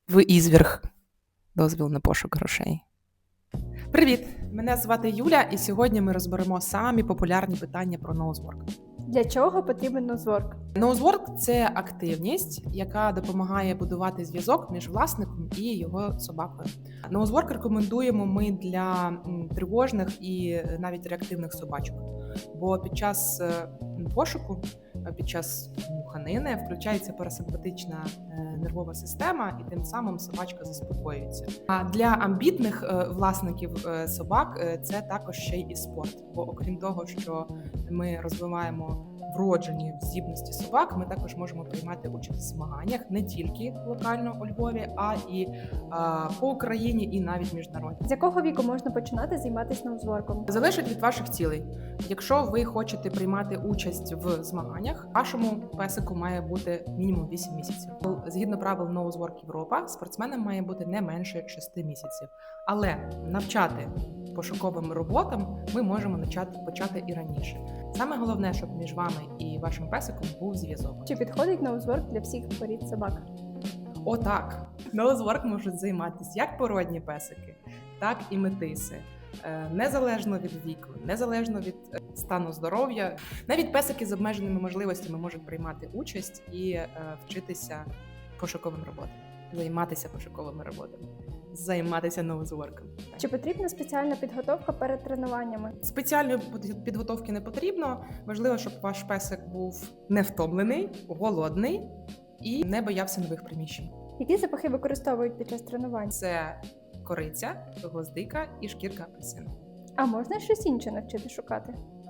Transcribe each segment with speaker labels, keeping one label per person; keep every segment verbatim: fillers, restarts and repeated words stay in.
Speaker 1: В Ізверг. Дозвіл на пошук грошей.
Speaker 2: Привіт! Мене звати Юля, і сьогодні ми розберемо самі популярні питання про ноузворк.
Speaker 3: Для чого потрібен ноузворк?
Speaker 2: Ноузворк – це активність, яка допомагає будувати зв'язок між власником і його собакою. Ноузворк рекомендуємо ми для м, тривожних і навіть реактивних собачок, бо під час е, пошуку, е, під час муханини включається парасимпатична е, нервова система, і тим самим собачка заспокоюється. А для амбітних е, власників е, собак е, це також ще й і спорт, бо окрім того, що ми розвиваємо вроджені здібності собак, ми також можемо приймати участь в змаганнях не тільки локально у Львові, а і а, по Україні, і навіть міжнародні.
Speaker 3: З якого віку можна починати займатися ноузворком?
Speaker 2: Залежить від ваших цілей. Якщо ви хочете приймати участь в змаганнях, вашому песику має бути мінімум вісім місяців. Згідно правил Ноузворк Європа, спортсменам має бути не менше шести місяців. Але навчати пошуковим роботам ми можемо почати, почати і раніше. Саме головне, щоб між вами і вашим песиком був зв'язок.
Speaker 3: Чи підходить ноузворк для всіх порід собак?
Speaker 2: О, так! Ноузворк можуть займатися як породні песики, так і метиси. Е, Незалежно від віку, незалежно від е, стану здоров'я. Навіть песики з обмеженими можливостями можуть приймати участь і е, вчитися пошуковим роботам, займатися пошуковими роботами, займатися ноузворком.
Speaker 3: Чи потрібна спеціальна підготовка перед тренуваннями?
Speaker 2: Спеціальної підготовки не потрібно. Важливо, щоб ваш песик був не втомлений, голодний і не боявся нових приміщень.
Speaker 3: Які запахи використовують під час тренувань?
Speaker 2: Це кориця, гвоздика і шкірка апельсину.
Speaker 3: А можна щось інше навчити шукати?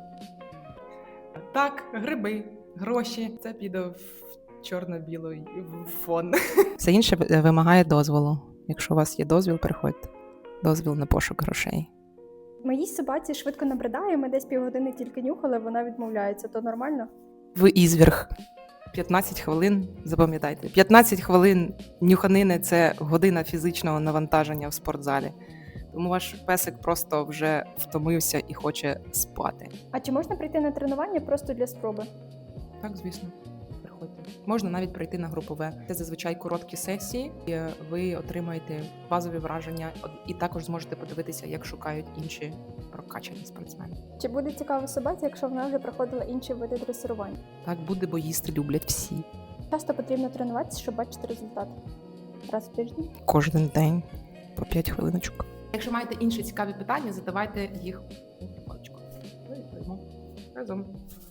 Speaker 2: Так, гриби, гроші. Це піде в чорно-білий фон.
Speaker 1: Все інше вимагає дозволу. Якщо у вас є дозвіл, приходьте. Дозвіл на пошук грошей.
Speaker 3: Моїй собаці швидко набридає, ми десь півгодини тільки нюхали, вона відмовляється. То нормально?
Speaker 1: В Ізверг.
Speaker 2: п'ятнадцять хвилин, запам'ятайте, п'ятнадцять хвилин нюханини – це година фізичного навантаження в спортзалі. Тому ваш песик просто вже втомився і хоче спати.
Speaker 3: А чи можна прийти на тренування просто для спроби?
Speaker 2: Так, звісно, приходьте. Можна навіть прийти на групове. Це зазвичай короткі сесії, і ви отримаєте базові враження і також зможете подивитися, як шукають інші прокачані спортсмени.
Speaker 3: Чи буде цікаво собаці, якщо вона вже проходила інші види дресирування?
Speaker 1: Так буде, бо їсти люблять всі.
Speaker 3: Часто потрібно тренуватися, щоб бачити результат. Раз в тиждень?
Speaker 1: Кожен день по п'ять хвилиночок.
Speaker 2: Якщо маєте інші цікаві питання, задавайте їх у паличку. Ми відповімо разом.